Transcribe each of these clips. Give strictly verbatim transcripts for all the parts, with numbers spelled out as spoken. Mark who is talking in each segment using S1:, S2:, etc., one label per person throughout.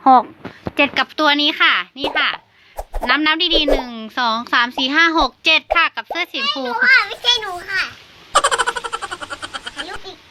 S1: กเจ็ดกับตัวนี้ค่ะนี่ค่ะนับนับดีๆหนึ่งสองสามสี่ห้าหกเจ็ดค่ะกับเสื้อสีชมพูค่ะ
S2: ไม่ใช่หนูค่ะถ่ายรูปอีก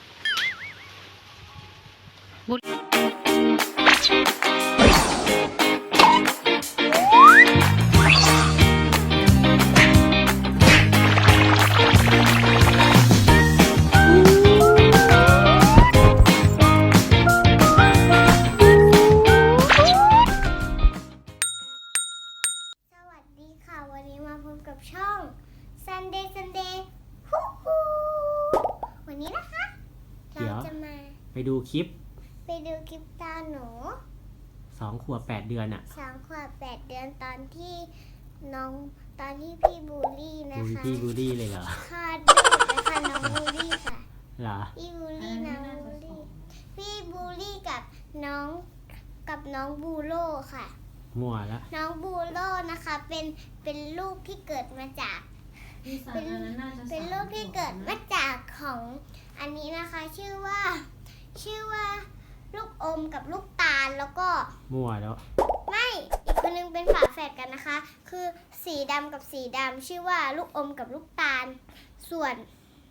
S2: วันนี้มาพบกับช่อง Sunday Sunday ฮู้ฮู้วันนี้นะคะเราจะมา
S3: ไปดูคลิป
S2: ไปดูคลิปตาหนู
S3: สองขวบแปดเดือนอะ
S2: สองขวบแปดเดือนตอนที่น้องตอนที่พี่บูลลี่นะคะ
S3: พี่บูลลี่เลยเหรอ
S2: ค่ะดูนะคะน้องบูลลี่ค่ะ
S3: เหรอ
S2: พี่บูลลี่น้องบูลลี่พี่บูลลี่กับน้องกับน้องบูโร่ค่ะ
S3: มั่วแล้ว
S2: น้องบูโร่นะคะเป็นเป็นลูกที่เกิดมาจากเป็นเป็นลูกที่เกิดมาจากของอันนี้นะคะชื่อว่าชื่อว่าลูกอมกับลูกตาลแล้วก็
S3: มั่วแล้ว
S2: ไม่อีกคนนึงเป็นฝาแฝดกันนะคะคือสีดำกับสีดำชื่อว่าลูกอมกับลูกตาลส่วน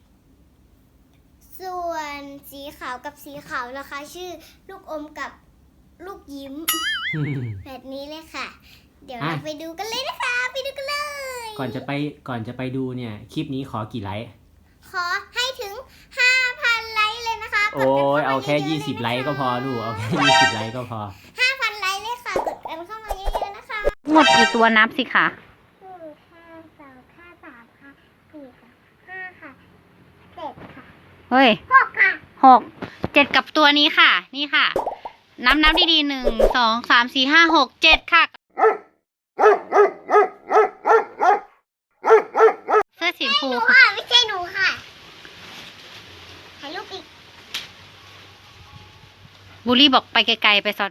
S2: ส่วนสีขาวกับสีขาวนะคะชื่อลูกอมกับลูกยิ้มแบบนี้เลยค่ะเดี๋ยวเราไปดูกันเลยนะคะไปดูกันเลย
S3: ก่อนจะไปก่อนจะไปดูเนี่ยคลิปนี้ขอกี่ไลค์
S2: ขอให้ถึง ห้าพัน ไลค์เลยนะคะ
S3: โอ้ยเอาแค่ยี่สิบไลค์ก็พอลูกเอาแค่ยี่สิบไลค์ก็พอ
S2: ห้าพัน ไลค์เลยค่ะกดกันเข้ามาเยอะๆนะคะ
S1: หมดกี่ตัวนับสิคะ
S2: หนึ่งห้าสองห้าสามค่ะสี่ค่ะห้าค่ะเจ็ดค่ะ
S1: เฮ้ย
S2: หกค่ะ
S1: หกเจ็ดกับตัวนี้ค่ะนี่ค่ะนับนับดีๆหนึ่งสองสามสี่ห้าหกเจ็ดค่ะเสื้อสีชมพู
S2: ค่ะไม่ใช่หนูค่ะถ่ายรูปอีก
S1: บูลลี่บอกไปไกลๆไปซอน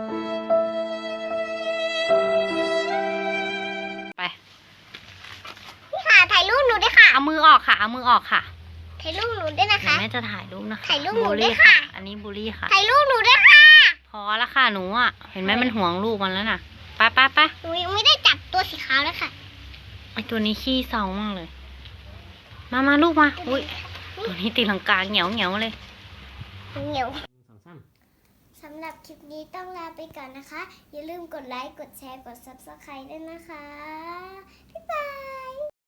S1: ไป
S2: พี่ค่ะถ่ายรูปหนูด้วยค่ะ
S1: เอามือออกค่ะเอามือออกค่ะ
S2: ถ่ายรูปหนูด้วยนะคะ
S1: แม่จะถ่ายรูปนะคะ
S2: ถ่ายรูปหนูด้วยค่ะ
S1: อันนี้บูลลี่ค่ะ
S2: ถ่ายรูปหนูด้วยค่ะ
S1: พอแล้วค่ะหนูอ่ะเห็นไหมมันห่วงลูกมันแล้วน่ะไปไปไป
S2: หนูยังไม่ได้จับตัวสีขาวเลยค่ะ
S1: ไอตัวนี้ขี้เศร้ามากเลยมามาลูกมาอุ้ยตัวนี้ตีลังกาเหนียวเหนียวเลย
S2: เหนียวสำหรับคลิปนี้ต้องลาไปก่อนนะคะอย่าลืมกดไลค์กดแชร์กด ซับสไครบ์ ด้วยนะคะบ๊ายบาย